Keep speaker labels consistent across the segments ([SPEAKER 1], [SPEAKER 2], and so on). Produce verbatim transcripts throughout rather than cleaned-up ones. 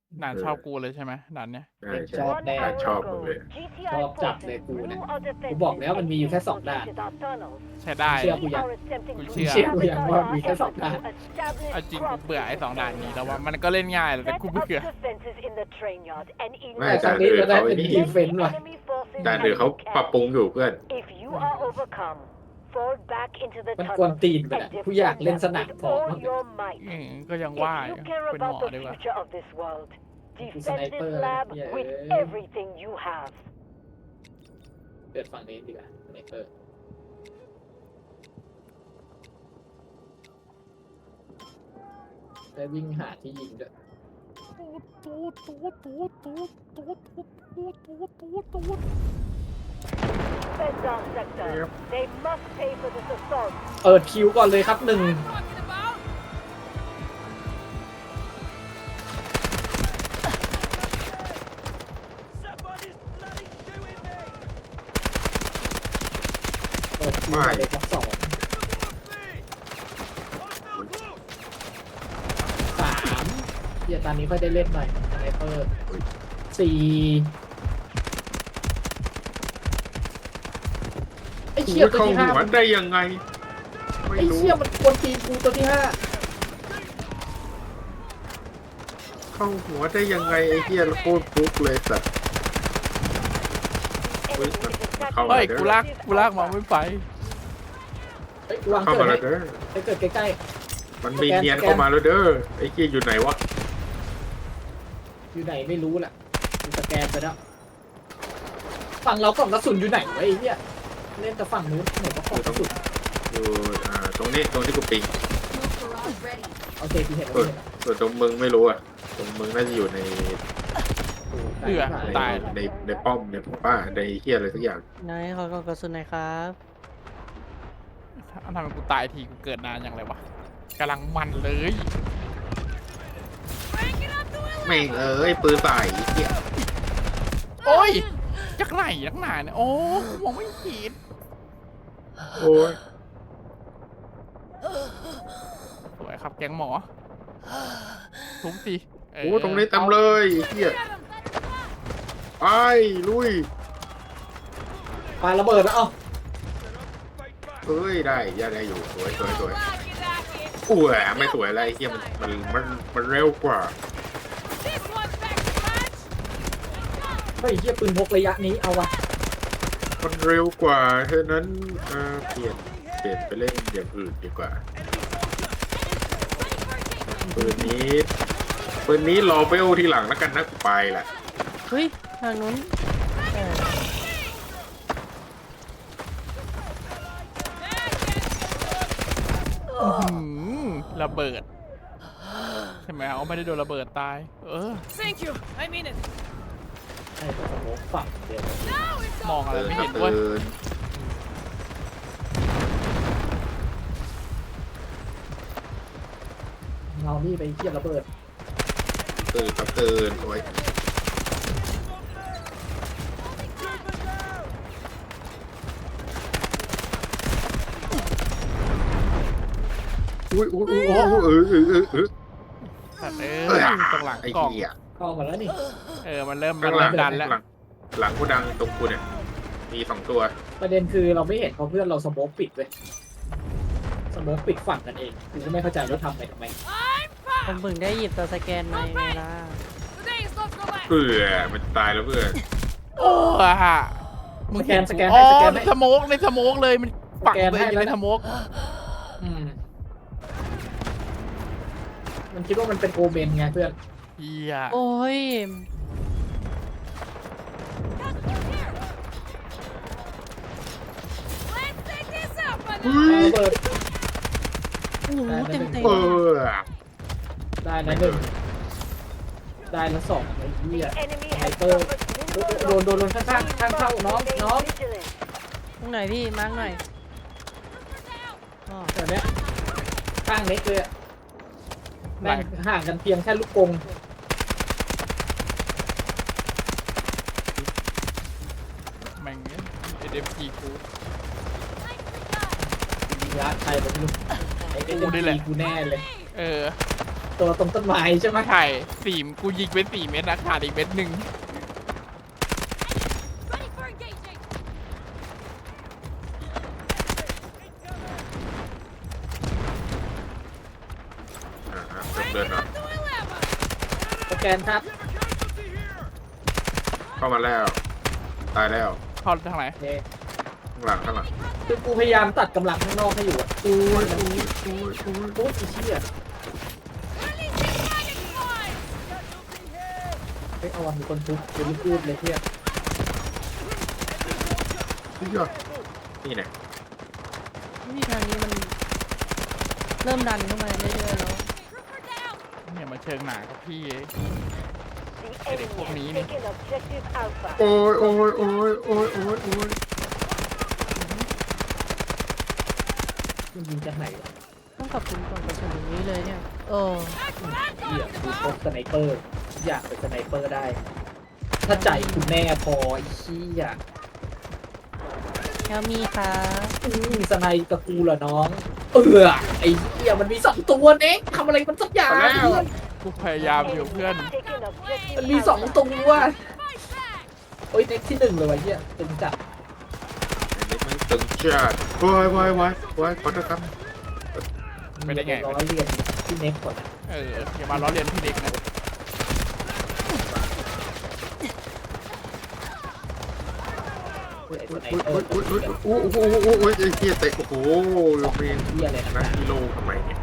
[SPEAKER 1] ด่านชอบกูเลยใช่ไหมด่านเนี้ย
[SPEAKER 2] ใช่ใช่
[SPEAKER 3] ชอบแน่
[SPEAKER 2] ชอบมึงเลย
[SPEAKER 3] ชอบจัดเลยกูเนี่ยกูบอกแล้วมันมีอยู่แค่สองด่าน
[SPEAKER 1] ใช้ได้
[SPEAKER 3] เชื่อกูยัง
[SPEAKER 1] กูเชื่อ
[SPEAKER 3] เชื่อกูยังว่ามีแค่สองด่าน
[SPEAKER 1] เอาจริงกูเบื่อไอ้สองด่านนี้แล้วว่ามันก็เล่นง่ายแต่กูเบื่อ
[SPEAKER 2] ไม่
[SPEAKER 3] แต่ครั้งนี้เราได้เป็นดีเฟนต์ว่ะ
[SPEAKER 2] ด่านเดือเขาปรับปรุงอยู่เพื่อน
[SPEAKER 3] มันกวนตีนไปนะกูอยากเล่นสนามทองบ้าง
[SPEAKER 1] อืมก็ยังว่าอยู่เป็นหมอดีกว่า
[SPEAKER 3] Defend this lab with everything you have เปิดฝั่งนี้ดีกว่าสไนเปอร์ได้วิ่งหาที่ยิงด้วย เปิดคิวก่อนเลยครับหนึ่งเปิดคิวก่อนเลยครับสองสามเดี๋ยวตอนนี้ค่อยได้เล่นหน่อยสไนเปอร์สี่ไอ้เชี่ยตัว
[SPEAKER 2] เข้า
[SPEAKER 3] ที่ห้า
[SPEAKER 2] หัวได้ยังไงไม่
[SPEAKER 3] ไอ้
[SPEAKER 2] รู้
[SPEAKER 3] เชี่ยมันกวนตีนกูตัวที่ห้า
[SPEAKER 2] เข้าหัวได้ยังไงไอ้เหี้ยโคตรฟุกเลยสัตว์เฮ้ยมันเข้ามา
[SPEAKER 1] เฮ้ย
[SPEAKER 2] เด้
[SPEAKER 1] กู
[SPEAKER 2] อ
[SPEAKER 1] ลากกูลากมาไม่ไป
[SPEAKER 3] เฮ้ยวาง
[SPEAKER 2] เข้า
[SPEAKER 3] เกิ
[SPEAKER 2] มา
[SPEAKER 3] ด
[SPEAKER 2] แล้
[SPEAKER 3] ให้
[SPEAKER 2] วเด้อ
[SPEAKER 3] ไปเกิดใกล้
[SPEAKER 2] มันมีเนียนเข้ามาแล้วเด้อไอ้เหี้ยอยู่ไหนวะ
[SPEAKER 3] ๆอยู่ไหนไม่รู้แหละกูสแกนไปแล้วฝั่งเรากล่องกระสุนอยู่ไหนวะไอ้เหี้ยเล่นแต่ฝั่งนู้นไหนก็กล่องกระสุน
[SPEAKER 2] อยู่อ่าตรงนี้ตรงที่กูปิง
[SPEAKER 3] โอเคพี่เห็นแล้ว
[SPEAKER 2] ส่วน
[SPEAKER 3] พี่เห็นแล้ว
[SPEAKER 2] ส่วนตรงมึงไม่รู้อ่ะตรงมึงน่าจะอยู่ใน
[SPEAKER 1] เบื่อ
[SPEAKER 2] ใน
[SPEAKER 1] ตาย
[SPEAKER 2] ในในป้อมในป้าในเหี้ยอะไรสักอย่าง
[SPEAKER 4] นายขอกล่องกระสุนหน่อยครับ
[SPEAKER 1] ทำไมกูตายทีกูเกิดนานอย่างไรวะกำลังมันเลย
[SPEAKER 2] แม่งเอ้ยปืนใส่ไอ้เหี้ย
[SPEAKER 1] โอ้ยจากไหนจากไหนเนี่ยโอ้กูมองไม่เห็น
[SPEAKER 2] โอ้ย
[SPEAKER 1] สวยครับแกงหมอทุบสิเ
[SPEAKER 2] โอ้ตรงนี้เต็มเลยไอ้เหี้ยไปลุย
[SPEAKER 3] ปาระเบิดแล้วเอ้า
[SPEAKER 2] เฮ้ยได้ย่าได้อยู่สวยสวยสวยอุ้ยไม่สวยอะไรไอ้เหี้ยมันมันมันมันเร็วกว่า
[SPEAKER 3] เฮ้ยเหี้ยปืนพกระยะนี้เอาวะ
[SPEAKER 2] มันเร็วกว่าฉะนั้นเอ่อเปลี่ยนเปลี่ยนไปเล่นอย่างอื่นดีกว่าปืนนี้ปืนนี้รอเวลทีหลังแล้วกันนะกูไปแหละ
[SPEAKER 4] เฮ้ย ทางนู้นเออ
[SPEAKER 1] อื้อหือระเบิดใช่ไหมเอาไม่ได้โดนระเบิดตาย เออ
[SPEAKER 5] Thank you. I mean it.
[SPEAKER 3] ให้ตัวสโมกฝั่งเดียว
[SPEAKER 1] มองอะไร
[SPEAKER 2] เตือน
[SPEAKER 1] ไม่
[SPEAKER 2] ครั
[SPEAKER 1] เห็
[SPEAKER 2] บ
[SPEAKER 1] น
[SPEAKER 2] เตื
[SPEAKER 1] เว้ย
[SPEAKER 2] อน
[SPEAKER 3] เงานี่ไปเทียบระเบิด
[SPEAKER 2] เตือนครับเตือนโอ้ยอุ้ยอุ้ยอุ้ยโอ้โหเออเออเออเออ
[SPEAKER 1] แต่เออตรงหลัง
[SPEAKER 2] ไอ้
[SPEAKER 1] กล่อง
[SPEAKER 2] เหี้ย
[SPEAKER 3] เข้ามาแล้วนี่
[SPEAKER 1] เออมันเริ่มมั
[SPEAKER 2] ข้าน งหลั
[SPEAKER 1] เริ่
[SPEAKER 2] ง
[SPEAKER 1] มดันแล้ว
[SPEAKER 2] หลังหลังกูดังตรงกูเนี่ยมีสองตัว
[SPEAKER 3] ประเด็นคือเราไม่เห็นเพราะเพื่อนเราสโมกปิดเลยสโมกปิดฝั่งกันเองกูก็ไม่เข้าใจว่าทำไปทำไม
[SPEAKER 4] ผมเพิ่งได้หยิบตัวสแกนมาไงล่ะ
[SPEAKER 5] Today is not the last.
[SPEAKER 2] เพื่อมันตายแล้วเพื่อน
[SPEAKER 1] โอ้ฮะ
[SPEAKER 3] สแกนสแกน
[SPEAKER 1] อ๋
[SPEAKER 3] ให้
[SPEAKER 1] อ
[SPEAKER 3] สแกน
[SPEAKER 1] ใน
[SPEAKER 3] ให้
[SPEAKER 1] สโมกในสโมกเลยมันปัก
[SPEAKER 3] สแกน
[SPEAKER 1] เลย
[SPEAKER 3] ให้
[SPEAKER 1] อยู่ใน
[SPEAKER 3] แล้ว
[SPEAKER 1] สโมก
[SPEAKER 3] อืมมันคิดว่ามันเป็นโอเมนไงเพื่อน
[SPEAKER 1] เฮีย
[SPEAKER 4] โอ้ย
[SPEAKER 5] Let's take this out,
[SPEAKER 2] เฮ้
[SPEAKER 5] banana.
[SPEAKER 2] ย
[SPEAKER 3] ระเบิด
[SPEAKER 4] โอ้โหเต็มเต็ม
[SPEAKER 2] เออ
[SPEAKER 3] ได้ละหนึ่งได้ละสองไอ้เหี้ย
[SPEAKER 6] Enemy
[SPEAKER 3] has
[SPEAKER 6] has
[SPEAKER 3] Sniper.
[SPEAKER 6] suffered
[SPEAKER 3] โดนโดนโดนข้างๆข้างเข้าน้องน้อง
[SPEAKER 4] ตรงไหนพี่ มาร์กหน่อยอ๋อ
[SPEAKER 3] แถวเนี้ยข้างเล็กเลยอะแม่งห่างกันเพียงแค่ลูกกรง
[SPEAKER 1] แม่งเอเดมจีกู
[SPEAKER 3] ยิงรักใครผมไม่รู้ไอ้เอ็น
[SPEAKER 1] กูนี่แหละ
[SPEAKER 3] กูแน่เลย
[SPEAKER 1] เออ
[SPEAKER 3] ตัวตรงต้นไม้ใช่ไหม
[SPEAKER 1] ใช่สี่กูยิงไปสี่เม็ดนะขาดอีกเม็ดหนึ่ง
[SPEAKER 5] Ready for engaging.
[SPEAKER 2] อ่าอ่าเดินเดินเนาะ
[SPEAKER 5] To eleven.
[SPEAKER 3] สแกนครับ
[SPEAKER 2] เข้ามาแล้ว ตายแล้ว
[SPEAKER 1] เข้าทางไหน
[SPEAKER 3] โอเค
[SPEAKER 2] ข้างหลังข้างหลัง
[SPEAKER 3] คือกูพยายามตัดกำลังข้างนอกให้อยู่อะกู
[SPEAKER 2] โอ้ย
[SPEAKER 3] มัน
[SPEAKER 2] โอ้ยโอ้ยโอ้ย
[SPEAKER 3] โอ้ยอีเชี่ย
[SPEAKER 5] Releasing dragonfly.
[SPEAKER 3] ไปเอาวันมีคนทุบเดี๋ยวรีบพูดเลยเพื่อน
[SPEAKER 2] นี่ยอดนี่ไง
[SPEAKER 4] นี่ทางนี้มันเริ่มดันเข้ามาเรื่อยๆแล้ว
[SPEAKER 5] Trooper down.
[SPEAKER 1] เนี่ยมาเชิงหนากับพี่เอง
[SPEAKER 6] The enemy
[SPEAKER 1] Put me
[SPEAKER 6] has
[SPEAKER 1] in.
[SPEAKER 6] taken objective Alpha.
[SPEAKER 2] โอ้ยโอ้ยโอ้ยโอ้ยโอ้ยโอ้ย
[SPEAKER 3] มันยิงจากไหนวะ
[SPEAKER 4] ต้องขอบคุณก่อนกระสุนอย่างนี้เลยเนี่ยโอ้
[SPEAKER 3] เหี้ยกูพกสไนเปอร์ อยากเป็นสไนเปอร์ได้ ถ้าใจคุณแม่พอไอ้เชี่ย
[SPEAKER 4] แล้วมีค่ะ
[SPEAKER 3] อืมสไนกับกูเหรอน้อง เออไอ้เหี้ยมันมีสองตัวเน็กทำอะไรมันสักอย่างเพื่อน
[SPEAKER 1] กูพยายามอยู่เพื่อน
[SPEAKER 6] Taken objective
[SPEAKER 3] มันมีสอง
[SPEAKER 6] Alpha.
[SPEAKER 3] ตัว
[SPEAKER 5] Fight back.
[SPEAKER 3] โอ้ยเน็กที่หนึ่งเลยวะเหี้ยตึงจัด
[SPEAKER 2] อันนี้มันตึงจัดโอ้ยโอ้ยโอ้ยโอ้ยขอโทษครับ
[SPEAKER 1] ไม่ได้ไง
[SPEAKER 3] ร้อยเรียนที่เน็กก่อนอะ
[SPEAKER 1] เอออย่ามาล้อเลียนพี่เด็กนะ
[SPEAKER 3] เฮ้ยไอ้ส
[SPEAKER 2] โอ้
[SPEAKER 3] ไน
[SPEAKER 2] ย
[SPEAKER 3] เปอ
[SPEAKER 2] โอ้ย
[SPEAKER 3] ร์
[SPEAKER 2] โอ้ยโอ้ยโอ้ยโอ้ยโอ้ยโอ้ยไอ้เหี้ยเตะโอ้โหเมน
[SPEAKER 3] เหี้ยอะไร
[SPEAKER 2] นั
[SPEAKER 3] นะ
[SPEAKER 2] กกิโลทำไมเนี่ย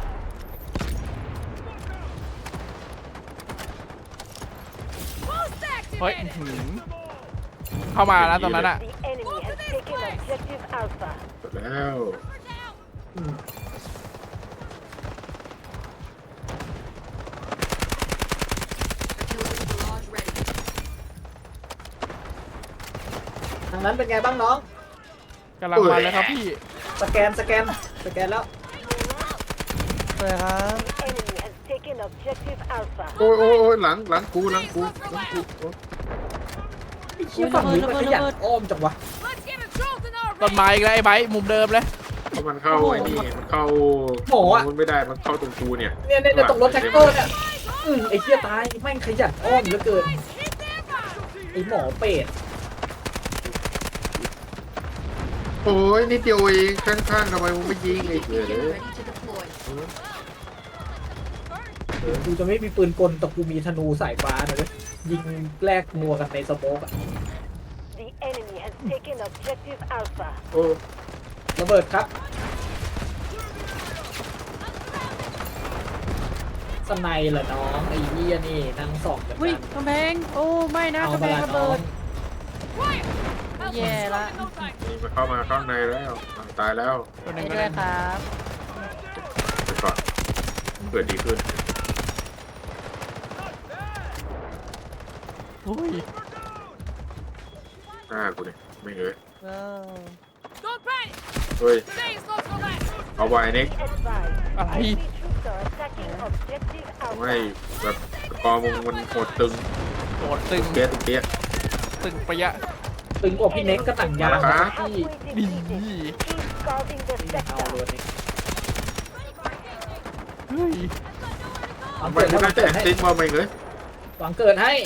[SPEAKER 5] Boost
[SPEAKER 1] เฮ้ย
[SPEAKER 5] activated.
[SPEAKER 1] หืมเข้ามานะตรงนั้นอ่ะ
[SPEAKER 6] The enemy has taken objective Alpha.
[SPEAKER 2] หมดแล้ว
[SPEAKER 3] อืมทางนั้นเป็นไงบ้างน้อง
[SPEAKER 1] กำลังมาเลยครับพี่
[SPEAKER 3] สแกนสแกนสแกนแล้ว
[SPEAKER 4] สวยครับ
[SPEAKER 6] The enemy has taken objective Alpha.
[SPEAKER 2] โอ้ยโอ้ยโอ้ยหลังหลังกูหลังกูหลังกูโอ้ย
[SPEAKER 3] ไอ้เชี่ยฝั่งนี้มันขยันอ้อมจังวะ
[SPEAKER 5] Let's get a jolt in our
[SPEAKER 1] ต้นไม้อีกแล้วไอ้ไบร์ทมุมเดิมเลย
[SPEAKER 2] เพราะมันเข้าไอ้นี่มันเข้า
[SPEAKER 3] หมออะ
[SPEAKER 2] มันไม่ได้มันเข้าตรงกูเนี่ย
[SPEAKER 3] เนี่ยเนี่ยเนี่ยตรงรถแท็กเตอร์เนี่ยอืมไอ้เชี่ยตายแม่งขยันอ้อมเหลือเกิน
[SPEAKER 5] hit them out.
[SPEAKER 3] ไอ้หมอเป็ด
[SPEAKER 2] โอ้ยนิดเดียวเองข้างๆทำไมมึงไม่ยิงไอ้เหี้ยเลย
[SPEAKER 3] กูจะไม่มีปืนกลแต่กูมีธนูสายฟ้านะเว้ยยิงแลกนัวกันในสโมกอะ
[SPEAKER 6] The enemy has taken objective Alpha.
[SPEAKER 2] โอ้
[SPEAKER 3] ระเบิดครับสไนเหรอน้องไอ้เหี้ยนี่นั่งส่องกัน
[SPEAKER 4] อุ้ยกำแพงโอ้ไม่นะ
[SPEAKER 3] เอา
[SPEAKER 4] กำแพ
[SPEAKER 3] มาง ละ
[SPEAKER 4] ระ
[SPEAKER 3] น้อ
[SPEAKER 4] เบิ
[SPEAKER 3] ง
[SPEAKER 4] ด
[SPEAKER 5] Quiet. Help us
[SPEAKER 4] Yeah,
[SPEAKER 5] destroy
[SPEAKER 4] that-
[SPEAKER 5] in no time.
[SPEAKER 2] นี่มันเข้ามาข้างในแล้วอ่ะตายแล้ว
[SPEAKER 1] ตัวห
[SPEAKER 4] ไป
[SPEAKER 1] นึ่งก็
[SPEAKER 4] ด้ว
[SPEAKER 1] ได้
[SPEAKER 4] ยครับ
[SPEAKER 2] ไปก่อนเกิดดีขึ้น
[SPEAKER 1] อุ้ย
[SPEAKER 2] หน้ากูเนี่ยไม่เอ้ย
[SPEAKER 4] เออ
[SPEAKER 5] Don't panic.
[SPEAKER 2] เฮ้ย
[SPEAKER 5] Today is not the last.
[SPEAKER 2] เอาไว้เน็ก
[SPEAKER 6] Be advised.
[SPEAKER 1] อะไร
[SPEAKER 6] Enemy troops are attacking objective
[SPEAKER 2] ไม่
[SPEAKER 6] Alpha.
[SPEAKER 2] แบบสกอร์มึงมันโหดตึง
[SPEAKER 1] โดดตึง
[SPEAKER 2] เปี้ยตึงเปี้ย
[SPEAKER 1] ตึงไปะยะ
[SPEAKER 3] ตึงกว่าพี่เน็กก็หนังยาง
[SPEAKER 2] มา
[SPEAKER 3] นะ
[SPEAKER 2] ครับ
[SPEAKER 3] พี่
[SPEAKER 6] Halfway
[SPEAKER 1] ดี
[SPEAKER 6] defeated. Keep guarding the
[SPEAKER 3] นี่เอา
[SPEAKER 6] sector.
[SPEAKER 3] เลยนี่
[SPEAKER 1] เฮ้ย
[SPEAKER 3] หวัง
[SPEAKER 2] ทำไม
[SPEAKER 3] เกิด
[SPEAKER 2] ไม่
[SPEAKER 3] ให้ห
[SPEAKER 2] ได้
[SPEAKER 3] วัง
[SPEAKER 2] แต่
[SPEAKER 3] เกิดให้
[SPEAKER 2] ติ๊กว่าไม่เลย
[SPEAKER 3] หวังเกิดให้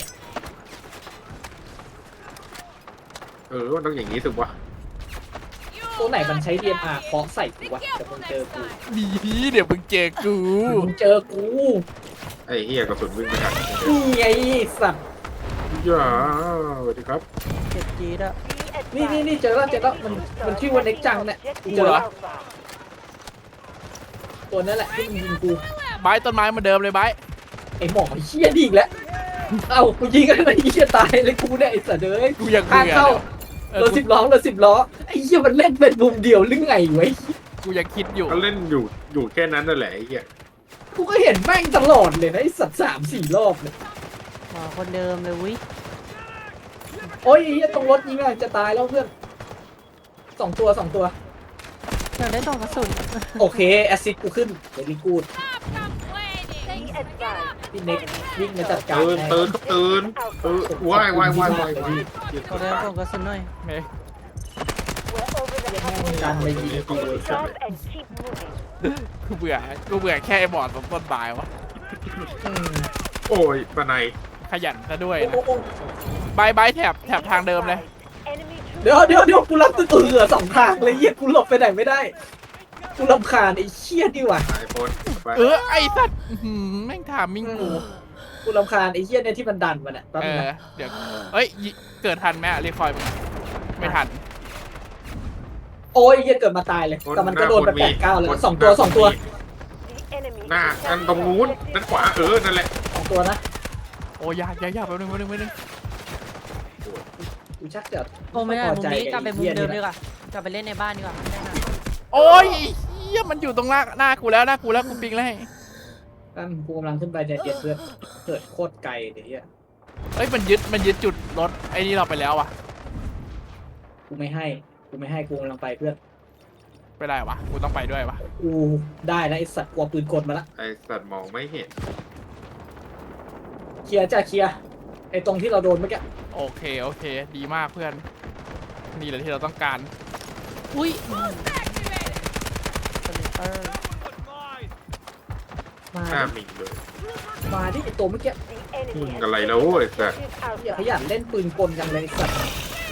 [SPEAKER 2] เออมันต้องอย่างนี้สิวะ
[SPEAKER 5] You
[SPEAKER 3] ตัวไหนมันใช้
[SPEAKER 5] like
[SPEAKER 3] ดี เอ็ม อาร์
[SPEAKER 5] it.
[SPEAKER 3] เคาะใส่กู
[SPEAKER 5] Be
[SPEAKER 3] วะแต่มึ
[SPEAKER 5] careful
[SPEAKER 3] งเจอ
[SPEAKER 5] next
[SPEAKER 3] กู
[SPEAKER 5] time.
[SPEAKER 1] ดีเดี๋ยวมึงเจอกู
[SPEAKER 3] มึงเจอกู
[SPEAKER 2] ไอ้เฮียกระสุนวิ่งไม่ทัน
[SPEAKER 3] นี่ไงสัตว์
[SPEAKER 2] ย่าสวัสดีครับ
[SPEAKER 4] เจ็บจี๊ดอะ
[SPEAKER 6] Be
[SPEAKER 3] นี่นี่นี่
[SPEAKER 6] advised.
[SPEAKER 3] เจอแล้วเจอแล้ว
[SPEAKER 6] Enemy
[SPEAKER 3] มัน
[SPEAKER 6] troops
[SPEAKER 3] มัน
[SPEAKER 6] are
[SPEAKER 3] ชื่อว่าเน็ก
[SPEAKER 6] attacking
[SPEAKER 3] จังเนี่ย
[SPEAKER 6] objective
[SPEAKER 3] เจอแล้ว
[SPEAKER 6] Alpha.
[SPEAKER 3] ตัวนั้นแหละที่มันยิงกู
[SPEAKER 1] ไบร์ทต้นไม้เหมาเดิมเลยไบร์ท
[SPEAKER 3] ไอหมอเฮี้ยดีอีกแล้ว เอ้ากูยิงอะไรเฮี้ยตายเลยกูเนี่ยไอสัตว์เอ้ย
[SPEAKER 1] กูยัง
[SPEAKER 3] ข้าง
[SPEAKER 1] เบื่อ
[SPEAKER 3] เข้า
[SPEAKER 1] เออ
[SPEAKER 3] รถ
[SPEAKER 1] กู
[SPEAKER 3] สิบล้อรถสิบล้อไอ้เฮี้ยมันเล่นเป็นมุมเดียวหรือไงวะ
[SPEAKER 1] กูยังคิดอยู่
[SPEAKER 2] เขาเล่นอยู่อยู่แค่นั้นนั่นแหละไอ้เฮีย
[SPEAKER 3] กูก็เห็นแม่งตลอดเลยนะไอสัตว์สามสี่รอบเลย
[SPEAKER 4] หมอคนเดิมเลยวิ
[SPEAKER 3] โอ้ยไอ้เฮี้ยตรงรถยิงอะจะตายแล้วเพื่อนสองตัวสองตัว
[SPEAKER 4] อยากได้ต่อกระสุน
[SPEAKER 3] โอเคแอสซิดกูขึ้นเดลิกูด
[SPEAKER 5] Stop complaining.
[SPEAKER 6] Be advised.
[SPEAKER 3] พี่เน็กวิ่งมาจัดการ
[SPEAKER 2] ตื่น
[SPEAKER 3] ให้
[SPEAKER 2] ตื่นครับตื่นเออวายวายวายวาย
[SPEAKER 4] ขอได้ต่อกระสุนหน่อย
[SPEAKER 1] เฮ้ย
[SPEAKER 6] We're over the
[SPEAKER 3] แม่ง
[SPEAKER 6] halfway
[SPEAKER 3] การไป
[SPEAKER 6] line.
[SPEAKER 3] ยิงกูเลย
[SPEAKER 6] Stop and keep moving.
[SPEAKER 1] กูเบื่อกูเบื่อแค่ไอ้บอดตรงต้นไม้วะ
[SPEAKER 3] อืม
[SPEAKER 2] โอ้ยปะไน
[SPEAKER 1] ขยันซะด้วย
[SPEAKER 3] โอ้
[SPEAKER 1] นะ
[SPEAKER 3] โอ้โอ้
[SPEAKER 1] บายบายแถบแถบทางเดิมเลย
[SPEAKER 6] Enemy troops
[SPEAKER 3] เดี๋ยวเดี๋ยวเดี๋ยวกูรับตัวเหลือสองทางเลยเหี้ยกูหลบไปไหนไม่ได้กูรำคาญไอ้เชี่ยดีว่ะ
[SPEAKER 2] ไอโฟนไป
[SPEAKER 1] เออไอ้สัตว์อื้อหือแม่งถามมิ่งกู
[SPEAKER 3] กูรำคาญไอ้เชี่ยเนี่ยที่มันดันมันอ่ะแป๊บ
[SPEAKER 1] เอ
[SPEAKER 3] นึง
[SPEAKER 1] อ
[SPEAKER 3] นะ
[SPEAKER 1] เดี๋ยวเอ้ยยิเกิดทันไหมอะรีคอยล์มึงไม่ทัน
[SPEAKER 3] โอ้ยไอ้เหี้ยเกิดมาตายเลยแต่มันก็โดนไปแปดเก้าแล้วสองตัวสองตัว
[SPEAKER 6] The enemy
[SPEAKER 2] หน้า
[SPEAKER 6] is
[SPEAKER 2] อันตรงนู้น
[SPEAKER 6] attacking
[SPEAKER 2] ด้านขวาเออนั่นแหละ
[SPEAKER 3] สองตัวนะ
[SPEAKER 1] โอ้ยากยากยากแป๊บนึงแป๊บนึงแป๊บนึง
[SPEAKER 3] กูชักจะ
[SPEAKER 4] โอ้ไม่ได้
[SPEAKER 3] พอ
[SPEAKER 4] มุม
[SPEAKER 3] ใจ
[SPEAKER 4] นี้กลับไปมุม
[SPEAKER 3] ไอ้
[SPEAKER 4] เดิม
[SPEAKER 3] หี้
[SPEAKER 4] ดี
[SPEAKER 3] ย
[SPEAKER 4] กว่ากลับไปเล่นในบ้านดีกว่าไม่ได้นะ
[SPEAKER 1] โอ้ยเฮียมันอยู่ตรงหน้าหน้ากูแล้วหน้ากูแล้วกูปิงแล้วให้
[SPEAKER 3] นั่นกูกำลังขึ้นไปใจเย็นเพื่อนเกิดโคตรไกลเดี๋ยวเหี้ย
[SPEAKER 1] เอ้ยมันยึดมันยึดจุดรถไอ้นี่เราไปแล้วอะ
[SPEAKER 3] กูไม่ให้กูไม่ให้กูกำลังไปเพื่อน
[SPEAKER 1] ไม่ได้วะกูต้องไปด้วยวะ
[SPEAKER 3] กูได้นะไอสัตว์กลัวปืนกลมาละ
[SPEAKER 2] ไอสัตว์มองไม่เห็น
[SPEAKER 3] เคลียร์จ้าเคลียร์ไอตรงที่เราโดนเมื่อกี้
[SPEAKER 1] โอเคโอเค ดีมากเพื่อนนี่แหละที่เราต้องการ
[SPEAKER 4] อุ้ย
[SPEAKER 5] Activated.
[SPEAKER 4] สลิปเปอร์
[SPEAKER 3] มา
[SPEAKER 2] หน้า
[SPEAKER 3] ดิ
[SPEAKER 2] มิงเลย
[SPEAKER 3] มาที่ไอตัวเมื่อกี้
[SPEAKER 6] The enemy
[SPEAKER 2] Hmm,
[SPEAKER 6] has
[SPEAKER 2] galay
[SPEAKER 6] taken
[SPEAKER 2] na, oh, isa.
[SPEAKER 6] objective
[SPEAKER 3] อย่าข
[SPEAKER 6] Alpha.
[SPEAKER 3] ยันเล่นปืนกลกันเลยไอ้สัตว์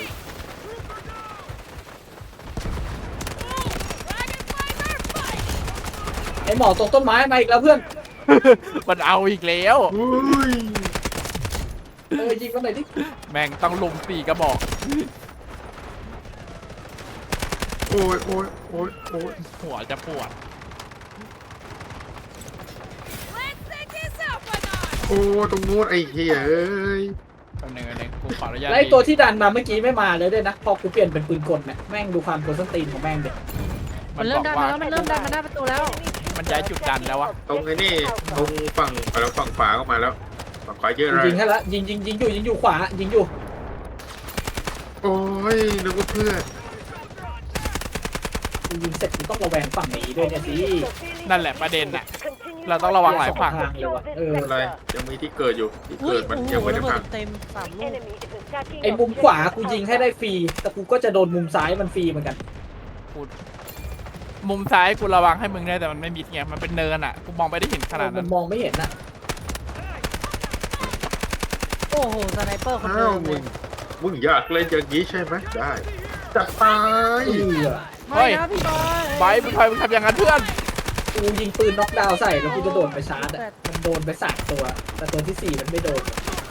[SPEAKER 5] Dragonflies are fighting.
[SPEAKER 3] ไอหมอตรงต้นไม้มาอีกแล้วเพื่อน
[SPEAKER 1] มันเอาอีกแล้ว
[SPEAKER 2] อุ้ย
[SPEAKER 3] เออยิงมันหน่อยดิ
[SPEAKER 1] แม่งต้องลุมสี่กระบอก
[SPEAKER 2] โอ้ยโอ้ยโอ้ยโอ้ย
[SPEAKER 1] หัวจะปวด
[SPEAKER 5] Let's take this out, Bernard.
[SPEAKER 2] โอ้ยตรงนู้นไอ้เหี้ยเอ้ย
[SPEAKER 1] แป๊บนึงแป๊บนึงกูขออนุญาต
[SPEAKER 3] แล้วไอตัวที่ดันมาเมื่อกี้ไม่มาเลยด้วยนะพอกูเปลี่ยนเป็นปืนกลเนี่ยแม่งดูความกดส้นตีนของแม่งเด็ก
[SPEAKER 1] มั
[SPEAKER 4] มัน น
[SPEAKER 1] บ
[SPEAKER 4] เริ่
[SPEAKER 1] อ
[SPEAKER 4] ม
[SPEAKER 1] ก
[SPEAKER 4] ดัน
[SPEAKER 1] ว่า
[SPEAKER 4] มาแล้วมันเริ่มดันมาหน้าประตูแล้ว
[SPEAKER 1] มันย้ายจุดดันแล้วอะ
[SPEAKER 2] ตรงไอ้นี่ตรงฝั่งไปแล้วฝั่งขวาก็มาแล้วฝั่งขวาเยอะเลย
[SPEAKER 3] ยิงให้ละยิงยิงยิงอยู่ยิงอยู่ขวายิงอยู่
[SPEAKER 2] โอ้ยนึกว่าเพื่อน
[SPEAKER 3] กูยิงเสร็จกูต้องระแวงฝั่งนี้ด้วยเนี่ยสิ
[SPEAKER 1] นั่นแหละประเด็นน่ะ
[SPEAKER 6] Continue
[SPEAKER 1] เราต้องระวังหลายฝั่ง
[SPEAKER 3] ทางเลยว่ะเออ
[SPEAKER 2] อะไรยังมีที่เกิดอยู่ที่
[SPEAKER 4] อุ้
[SPEAKER 2] เกิ
[SPEAKER 4] ย
[SPEAKER 2] ดมัน
[SPEAKER 4] โอ้โห
[SPEAKER 2] ยังไม่ได้
[SPEAKER 4] ระเบิ
[SPEAKER 2] พั
[SPEAKER 4] ด
[SPEAKER 2] ง
[SPEAKER 4] เต็มสาม
[SPEAKER 6] The
[SPEAKER 4] ลูก
[SPEAKER 6] enemy is attacking
[SPEAKER 3] ไอ้มุมขวา
[SPEAKER 6] objective
[SPEAKER 3] กูยิงให้
[SPEAKER 6] Alpha.
[SPEAKER 3] ได้ฟรีแต่กูก็จะโดนมุมซ้ายมันฟรีเหมือนกัน
[SPEAKER 1] กูมุมซ้ายกูระวังให้มึงได้แต่มันไม่มิดไงมันเป็นเนินอะกูมองไปได้เห็นขนาด
[SPEAKER 3] มั
[SPEAKER 1] นั้น น
[SPEAKER 3] มองไม่เห็นน่ะ
[SPEAKER 4] โอ้โหสไนเปอร์คนเดิ
[SPEAKER 2] อ้าว
[SPEAKER 4] มเล
[SPEAKER 2] มึ
[SPEAKER 4] ย
[SPEAKER 2] งมึงอยากเล่นอย่างนี้ใช่ไหมได้จัดไป
[SPEAKER 3] เออ
[SPEAKER 4] ไม่นะพี่บอย
[SPEAKER 1] ไบร์ทมึงทำไมมึงทำอย่างนั้นเพื่อน
[SPEAKER 3] กูยิงปืนน็อกดาวน์ใส่แล้วกูจะโดนไปชาร์จอะมันโดนไปสามตัว แต่ตัวที่สี่มันไม่โดน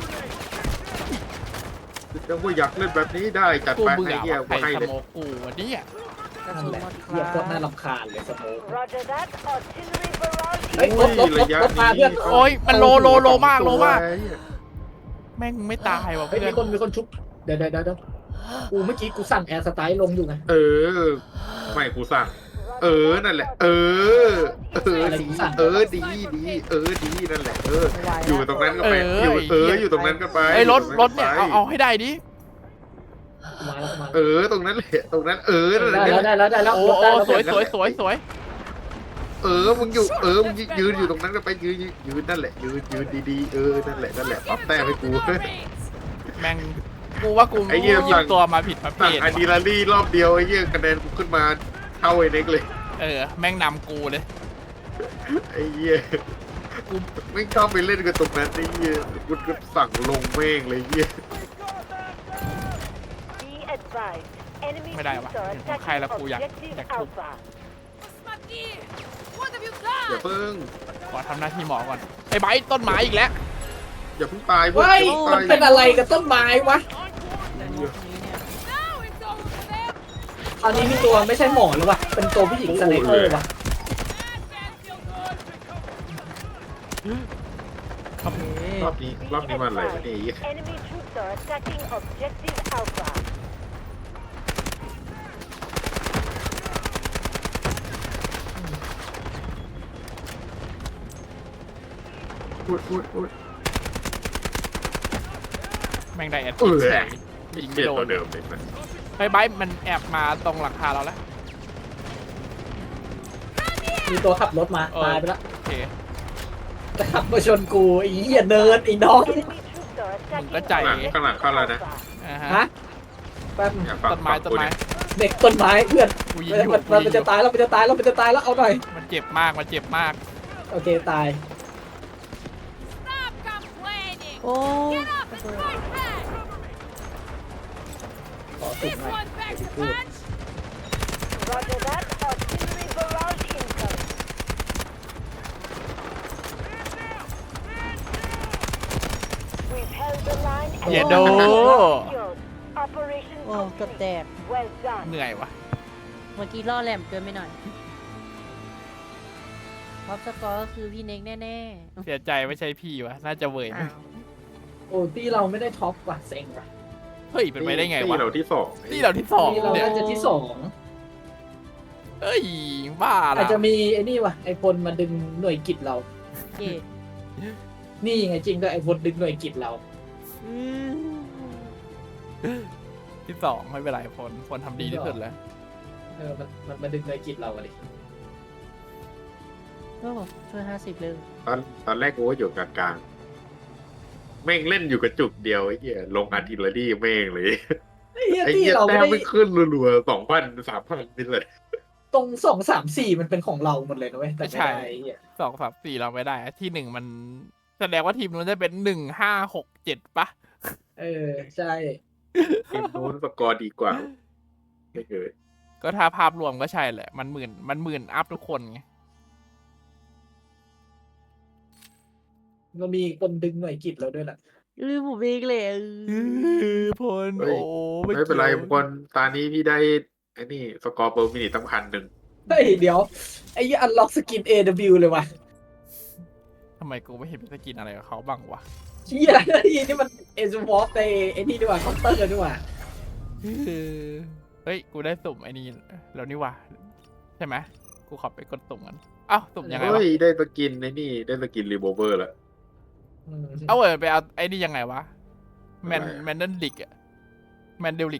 [SPEAKER 2] ถ้าว่าอยากเล่นแบบนี้ได้จัด
[SPEAKER 1] กู
[SPEAKER 2] ไป
[SPEAKER 1] เบื่
[SPEAKER 2] ไอ้
[SPEAKER 1] อ
[SPEAKER 2] เหี้ย
[SPEAKER 1] ว่ะใคร
[SPEAKER 2] กูให้
[SPEAKER 1] ส
[SPEAKER 2] เลย
[SPEAKER 1] โมกกูวันนี้อะ
[SPEAKER 4] กระ
[SPEAKER 3] นั่น
[SPEAKER 4] สุน
[SPEAKER 3] แหละ
[SPEAKER 4] หมดค
[SPEAKER 3] เฮียโคตรน่า
[SPEAKER 4] รับ
[SPEAKER 3] รำคาญเลยสโมก
[SPEAKER 6] Roger that. Artillery barrage
[SPEAKER 3] เฮ้ยรถรถรถรถมาเพื่อน
[SPEAKER 1] โอ้ยมันโลโลโลมากโลมาก
[SPEAKER 2] ไอ้เหี้ย
[SPEAKER 1] แม่งไม่ตายว่ะ
[SPEAKER 3] เฮ้ย
[SPEAKER 1] เพื่อ
[SPEAKER 3] มี
[SPEAKER 1] น
[SPEAKER 3] คนมีคนชุบเดี๋ยวเดี๋ยวเดี๋ยวเดี๋ยวกูเมื่อกี้กูสั่งแอร์สไตล์ลงอยู่ไง
[SPEAKER 2] เออ ไม่กูสั่ง เออนั่นแหละ เออ เออดีเออดีดีเออดีนั่นแหละเออ
[SPEAKER 4] ไม่ไหว
[SPEAKER 2] อยู่
[SPEAKER 4] แล้ว
[SPEAKER 2] ตรงนั้นก็ไปอยู่เอออยู่ตรงนั้นก็ไป
[SPEAKER 1] ไอ้ยรถรถเนี่ย
[SPEAKER 2] อยู่
[SPEAKER 1] เอา
[SPEAKER 2] ตง
[SPEAKER 1] เอาให้ได้ดิ
[SPEAKER 3] กูมาแล้วกูมา
[SPEAKER 2] เออตรงนั้นแหละตรงนั้นเออนั่นแหละ
[SPEAKER 3] ได้แล้วได้แล้วได้แล้ว
[SPEAKER 1] โอ้
[SPEAKER 3] รถได้
[SPEAKER 1] โอ้
[SPEAKER 3] แล้ว
[SPEAKER 1] สวยสวยสวยสวย
[SPEAKER 2] เออมึงอยู่เออมึงยืนอยู่ตรงนั้นก็ไปยืนยืนยืนนั่นแหละยืนยืนดีๆเออนั่นแหละนั่นแหละปั๊บแต้มให้กู
[SPEAKER 5] Marines.
[SPEAKER 1] แม่งกูว่ากู
[SPEAKER 2] ไอ้เหี้ย
[SPEAKER 1] หยิบตัวมาผิดประเภ
[SPEAKER 2] สั่ง
[SPEAKER 1] ท
[SPEAKER 2] อะดรีนาลีนรอบเดียวไอ้เหี้ยคะแนนกูขึ้นมาเท่าไอ้เน็กเลย
[SPEAKER 1] เออแม่งนำกูเลย
[SPEAKER 2] ไอ้เหี้ยกูไม่ชอบไปเล่นกับตรงนั้นไอ้เหี้ยกูก็สั่งลงแม่งเลยไอ้เหี้ย
[SPEAKER 6] Be advised. Enemy
[SPEAKER 1] ไม่ได้วะ
[SPEAKER 6] troops are
[SPEAKER 1] เห็นของใครแล้วกู
[SPEAKER 6] attacking
[SPEAKER 1] อยาก
[SPEAKER 6] objective
[SPEAKER 1] อยากทุบ
[SPEAKER 6] Alpha.
[SPEAKER 5] Посмотри. What have you
[SPEAKER 2] อย่า
[SPEAKER 5] done?
[SPEAKER 2] เพิ่ง
[SPEAKER 1] ขอทำหน้าที่หมอก่อนไอ้ไบร์ทต้นไม้อีกแล้ว
[SPEAKER 2] อย่าเพิ่งตายเว้
[SPEAKER 3] เฮ้
[SPEAKER 2] ย
[SPEAKER 3] ย
[SPEAKER 2] อย่า
[SPEAKER 3] มัน
[SPEAKER 2] เพิ่ง
[SPEAKER 3] เป็น
[SPEAKER 2] ตาย
[SPEAKER 3] อะไรกับต้นไม้วะ
[SPEAKER 4] ในมุมนี้เนี่ย
[SPEAKER 5] Now it's over for them.
[SPEAKER 3] ตอนนี้มีตัวไม่ใช่หมอหรือวะเป็นตัวผู้หญิงสไนเปอร์วะ
[SPEAKER 5] That man feel good.
[SPEAKER 4] โอเค
[SPEAKER 2] รอบนี้
[SPEAKER 6] Be
[SPEAKER 2] รอบนี้มันอะไรวะ
[SPEAKER 6] advised.
[SPEAKER 2] เนี่ยไอ้เหี้ย
[SPEAKER 6] Enemy troops are attacking objective Alpha.
[SPEAKER 2] อุ๊ยอุ๊ยอุ๊ย
[SPEAKER 1] แม่งได้แอด
[SPEAKER 2] เออ
[SPEAKER 1] เฉยยิงไม่
[SPEAKER 2] เหี้ย
[SPEAKER 1] โด
[SPEAKER 2] ตัวน เดิมเลยนะ
[SPEAKER 1] ไอ้ไบร์ทมันแอบมาตรงหลังคาเราแล้ว
[SPEAKER 3] มีตัวขับรถมา
[SPEAKER 1] เออ
[SPEAKER 3] ตายไปแล้ว
[SPEAKER 1] โอเค
[SPEAKER 3] แต่ขับมาชนกูไอ้เหี้ยเนิร์ดไอ้น้อง
[SPEAKER 6] Enemy troops are attacking
[SPEAKER 1] ก็ใจ
[SPEAKER 6] objective
[SPEAKER 2] ข้างหลังเข้าแล้วนะ
[SPEAKER 6] Alpha.
[SPEAKER 1] อ่า
[SPEAKER 3] ฮะ
[SPEAKER 1] ฮะ
[SPEAKER 3] แป๊บนึง
[SPEAKER 2] อย่าฟัง
[SPEAKER 1] ต้นไม้
[SPEAKER 2] ฟัง
[SPEAKER 1] ต้น
[SPEAKER 2] กู
[SPEAKER 1] ไม้
[SPEAKER 2] ดิ
[SPEAKER 3] เด็กต้นไม้เพื่อน
[SPEAKER 1] กูยิง
[SPEAKER 3] เอ้ย
[SPEAKER 1] อยู่
[SPEAKER 3] มัน
[SPEAKER 1] กู
[SPEAKER 3] มัน
[SPEAKER 1] ยิงอ
[SPEAKER 3] จะ
[SPEAKER 1] ยู่
[SPEAKER 3] ตายแล้วมันจะตายแล้วมันจะตายแล้วเอาหน่อย
[SPEAKER 1] มันเจ็บมากมันเจ็บมาก
[SPEAKER 3] โอเคตาย
[SPEAKER 4] โอ้
[SPEAKER 5] Get up and fight back!
[SPEAKER 3] ขอสุ่ม
[SPEAKER 5] This
[SPEAKER 3] หน่อย
[SPEAKER 5] one back
[SPEAKER 3] เดี๋ยว
[SPEAKER 5] to
[SPEAKER 3] พูด
[SPEAKER 5] punch!
[SPEAKER 6] Roger that. Artillery barrage incoming. We've held the line and
[SPEAKER 1] อย่าโด
[SPEAKER 6] secured. Operation
[SPEAKER 4] โอ้เกือบแต
[SPEAKER 6] complete.
[SPEAKER 4] ก
[SPEAKER 6] Well done.
[SPEAKER 1] เหนื่อยวะ
[SPEAKER 4] เมื่อกี้ล่อแหลมเกินไปหน่อยท็อปสกอร์ก็คือพี่เน็กแน่
[SPEAKER 1] เสียใจไม่ใช่พี่วะน่าจะเวย
[SPEAKER 4] ๆ
[SPEAKER 1] ไหม
[SPEAKER 4] อ้าว
[SPEAKER 3] โอ้ที่เราไม่ได้ท็อปว่ะเซ็งว่ะ
[SPEAKER 1] เฮ้ยเป็นไปได้ไง
[SPEAKER 2] ตี
[SPEAKER 1] วะ
[SPEAKER 2] เราที่สอง
[SPEAKER 1] นี่เราที่สอง
[SPEAKER 3] ที่เรา
[SPEAKER 1] เนี่ย
[SPEAKER 3] น่าจะที่สอง
[SPEAKER 1] เอ้ยบ้า
[SPEAKER 3] อาจ
[SPEAKER 1] ละ
[SPEAKER 3] จะมีไอ้นี่ว่ะไอพลมาดึงหน่วยกิจเรา
[SPEAKER 4] เย่
[SPEAKER 3] นี่ไงจริงด้วยไอพลดึงหน่วยกิจเรา
[SPEAKER 4] อืม
[SPEAKER 1] ที่สองไม่เป็นไรพลพลทำดีที่สุดแล้ว
[SPEAKER 3] เออมันมันมาดึงหน่วยกิจเราอะดิ
[SPEAKER 4] โอ้ช่วยห้าสิบเลย
[SPEAKER 2] ตอนตอนแรกกูก็อยู่กลางๆแม่งเล่นอยู่กระจุกเดียวไอ้เหี้ยลงอาร์ติเลอรี่แม่งเลย
[SPEAKER 3] ไอ้เหี้ย
[SPEAKER 2] ไอ้
[SPEAKER 3] ที่
[SPEAKER 2] เหี้ย
[SPEAKER 3] เรา
[SPEAKER 2] แต้
[SPEAKER 3] ไม่
[SPEAKER 2] ม
[SPEAKER 3] ได้
[SPEAKER 2] ไม่ขึ้นรัวๆสองพันสามพันนี่เลย
[SPEAKER 3] ตรงสองสามสี่มันเป็นของเราหมดเลยนะเว้ยแต่ไม่ได้ไอ้เหี้ย
[SPEAKER 1] สองสามสี่เราไม่ได้อะที่หนึ่งมันแสดงว่าทีมนู้นจะเป็นหนึ่งห้าหกเจ็ดปะ
[SPEAKER 3] เออใช่
[SPEAKER 2] ทีมนู้นสกอร์ดีกว่าไม่เคย
[SPEAKER 1] ก็ถ้าภาพรวมก็ใช่แหละ มันหมื่นมันหมื่นอัพทุกคนไง
[SPEAKER 3] เรามีคนดึงหน่วยกิจเราด้วยแหละ
[SPEAKER 4] เออผมเองเลยเออ
[SPEAKER 1] พลโอ้
[SPEAKER 2] ไม่เป็นไรบางคนตอนนี้พี่ได้ไอ้นี่สกอร์เปอร์มินิตั้งพันหนึ่ง
[SPEAKER 3] เฮ้ยเดี๋ยวไอ้ยี่อันล็อกสกิน เอ ดับเบิลยู เลยว่ะ
[SPEAKER 1] ทำไมกูไม่เห็นเป็นสกินอะไรกับเขาบ้างวะ
[SPEAKER 3] เชี่ยไอ้นี่มันเอซวอฟในไอ้นี่ดีกว่าเคาน์เตอร์ดีกว่า
[SPEAKER 1] เฮ้ย กูได้สุ่มไอ้นี่แล้วนี่วะใช่ไหมกูขอไปกดสุ่มกันอ้าวสุ่มยังไงวะ
[SPEAKER 2] เฮ้ยได้สกินไอ้นี่ได้สกินรีโวเวอร์แล้ว
[SPEAKER 3] อืม
[SPEAKER 1] เอาเออไปเอาไอ้นี่ยังไงวะแมน
[SPEAKER 2] อะไรอะ
[SPEAKER 1] แมนเดนลิกอะแมนเดลลิก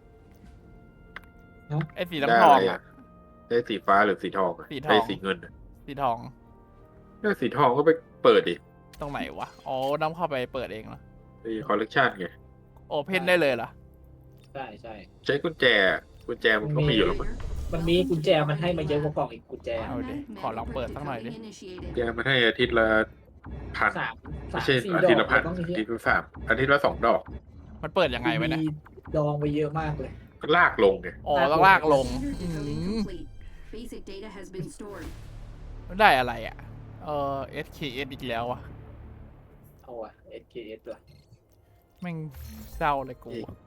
[SPEAKER 3] ฮะ
[SPEAKER 1] ไอ้สี
[SPEAKER 2] ได้
[SPEAKER 1] น้ำท
[SPEAKER 2] อะ
[SPEAKER 1] อง
[SPEAKER 2] ไร
[SPEAKER 1] อะ
[SPEAKER 2] อะได้สีฟ้าหรือสีทองอะ
[SPEAKER 1] สีทอง
[SPEAKER 2] ได้สีเงินอะ
[SPEAKER 1] สีทอง
[SPEAKER 2] ได้สีทองก็ไปเปิดดิ
[SPEAKER 1] ตรงไหนวะ อ๋อต้องเข้าไปเปิดเองเหรอ
[SPEAKER 2] ไอ้คอลเลกชันไง
[SPEAKER 1] โอเพนได้เลยเหรอ
[SPEAKER 3] ใช่ใช่
[SPEAKER 2] ใช้กุญแจกุญแจมันก็มีอยู่แล้วมั้ง
[SPEAKER 3] มันมีกุญแจมันให้มาเยอะกว่ากล่องอีกกุญแจ
[SPEAKER 1] เอาดิขอลองเปิดสักหน่อยดิ
[SPEAKER 2] กุญแจมันให้อาทิตย์ละพัน
[SPEAKER 3] สามสา
[SPEAKER 2] ไม่
[SPEAKER 3] ม
[SPEAKER 2] ใช่
[SPEAKER 3] สี่
[SPEAKER 2] อา
[SPEAKER 3] ดอ
[SPEAKER 2] ทิต
[SPEAKER 3] ก
[SPEAKER 2] ย์ละพัน
[SPEAKER 3] ต้องมี
[SPEAKER 2] อา
[SPEAKER 3] เย
[SPEAKER 2] ทิต
[SPEAKER 3] อะ
[SPEAKER 2] ย์ละสามอาทิตย์ละสองดอก
[SPEAKER 1] มันเปิดยังไงวะเนี่ย
[SPEAKER 3] มีดองไปเยอะมากเลย
[SPEAKER 2] ก็ลากลงไง
[SPEAKER 1] อ๋อต้องลากลงอืม
[SPEAKER 7] Basic data has been stored.
[SPEAKER 1] ได้อะไรอ่ะ เออ เอส เค เอส อีกแล้วอ่ะ
[SPEAKER 3] เอาอะ เอส เค เอส ด้วย
[SPEAKER 1] แม่งเศร้าเลยกู
[SPEAKER 2] อีก